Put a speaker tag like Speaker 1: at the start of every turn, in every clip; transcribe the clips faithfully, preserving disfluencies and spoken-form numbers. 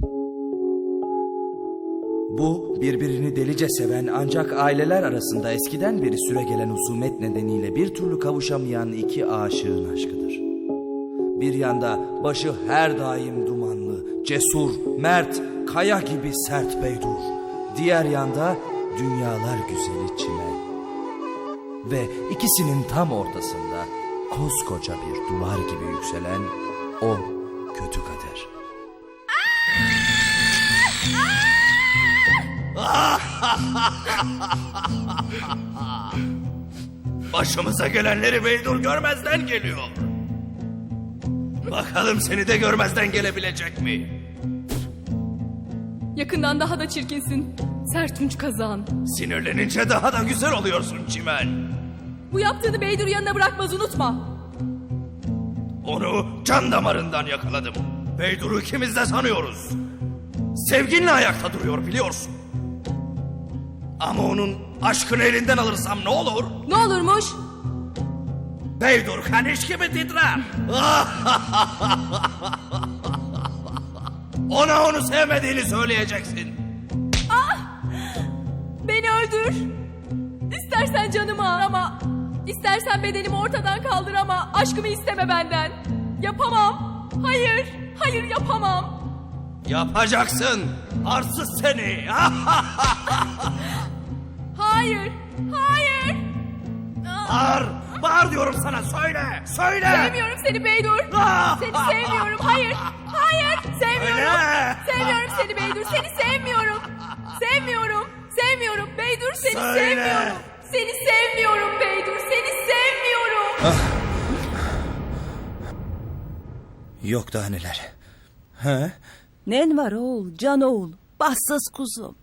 Speaker 1: Bu birbirini delice seven ancak aileler arasında eskiden beri süregelen husumet nedeniyle bir türlü kavuşamayan iki aşığın aşkıdır. Bir yanda başı her daim dumanlı, cesur, mert, kaya gibi sert Beydur. Diğer yanda dünyalar güzeli Çimen. Ve ikisinin tam ortasında koskoca bir duvar gibi yükselen o kötü kader.
Speaker 2: Başımıza gelenleri Beydur görmezden geliyor. Bakalım seni de görmezden gelebilecek mi?
Speaker 3: Yakından daha da çirkinsin. Sertunç kazan.
Speaker 2: Sinirlenince daha da güzel oluyorsun Çimen.
Speaker 3: Bu yaptığını Beydur yanına bırakmaz, unutma.
Speaker 2: Onu can damarından yakaladım. Beydur'u ikimiz de sanıyoruz. Sevginle ayakta duruyor biliyorsun. Ama onun aşkını elinden alırsam ne olur?
Speaker 3: Ne olurmuş?
Speaker 2: Beydur kaniş gibi titrer. Ona onu sevmediğini söyleyeceksin.
Speaker 3: Beni öldür. İstersen canımı al ama... İstersen bedenimi ortadan kaldır ama aşkımı isteme benden. Yapamam. Hayır. Hayır yapamam.
Speaker 2: Yapacaksın. Arsız seni.
Speaker 3: Hayır. Hayır.
Speaker 2: Bağır. Bağır diyorum sana. Söyle. Söyle.
Speaker 3: Sevmiyorum seni Beydur. Seni sevmiyorum. Hayır. Hayır. Sevmiyorum.
Speaker 2: Öyle.
Speaker 3: Sevmiyorum seni Beydur. Seni sevmiyorum. Sevmiyorum. Sevmiyorum Beydur. Seni
Speaker 2: Söyle.
Speaker 3: sevmiyorum. Seni sevmiyorum Beydur. Seni sevmiyorum.
Speaker 1: Yok daha neler. Ha?
Speaker 4: Nen var oğul, can oğul, bahtsız kuzum.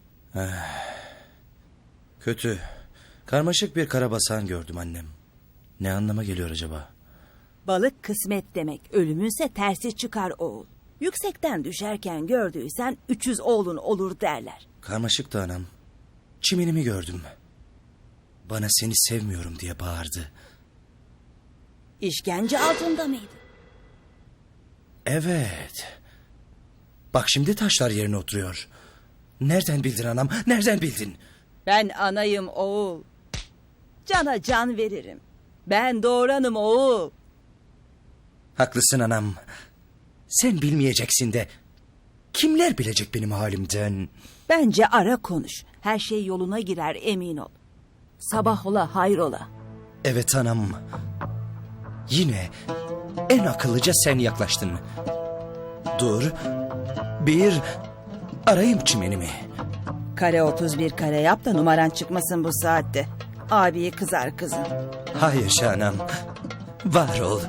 Speaker 1: Kötü. Karmaşık bir karabasan gördüm annem. Ne anlama geliyor acaba?
Speaker 4: Balık kısmet demek, ölümünse tersi çıkar oğul. Yüksekten düşerken gördüysen üç yüz oğlun olur derler.
Speaker 1: Karmaşık da anam. Çimenimi gördüm. Bana seni sevmiyorum diye bağırdı.
Speaker 4: İşkence altında mıydı?
Speaker 1: Evet. Bak şimdi taşlar yerine oturuyor. Nereden bildin anam? Nereden bildin?
Speaker 4: Ben anayım oğul. Cana can veririm. Ben doğuranım oğul.
Speaker 1: Haklısın anam. Sen bilmeyeceksin de kimler bilecek benim halimden?
Speaker 4: Bence ara konuş. Her şey yoluna girer emin ol. Sabah ola hayrola.
Speaker 1: Evet anam. Yine en akıllıca sen yaklaştın. Dur. Bir arayayım çimenimi.
Speaker 4: Kare otuz bir kare yap da numaran çıkmasın bu saatte. Abiye kızar kızım.
Speaker 1: Hayır Şahnam. Var ol.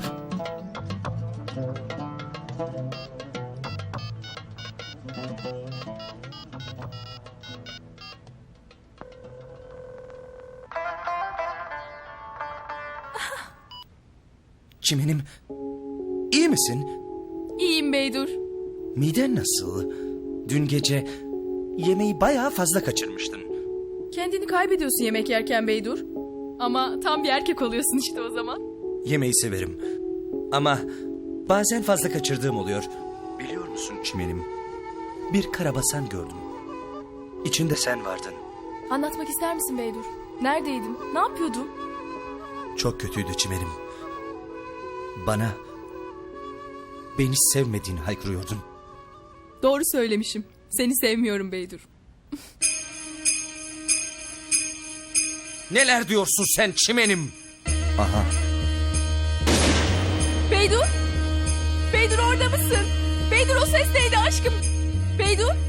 Speaker 1: Çimenim, iyi misin?
Speaker 3: İyiyim Beydur.
Speaker 1: Miden nasıl? Dün gece yemeği bayağı fazla kaçırmıştın.
Speaker 3: Kendini kaybediyorsun yemek yerken Beydur. Ama tam bir erkek oluyorsun işte o zaman.
Speaker 1: Yemeği severim. Ama bazen fazla kaçırdığım oluyor. Biliyor musun çimenim? Bir karabasan gördüm. İçinde sen vardın.
Speaker 3: Anlatmak ister misin Beydur? Neredeydin? Ne yapıyordun?
Speaker 1: Çok kötüydü çimenim. Bana beni sevmediğini haykırıyordun.
Speaker 3: Doğru söylemişim. Seni sevmiyorum Beydur.
Speaker 1: Neler diyorsun sen çimenim? Aha.
Speaker 3: Beydur? Beydur orada mısın? Beydur o ses neydi aşkım? Beydur?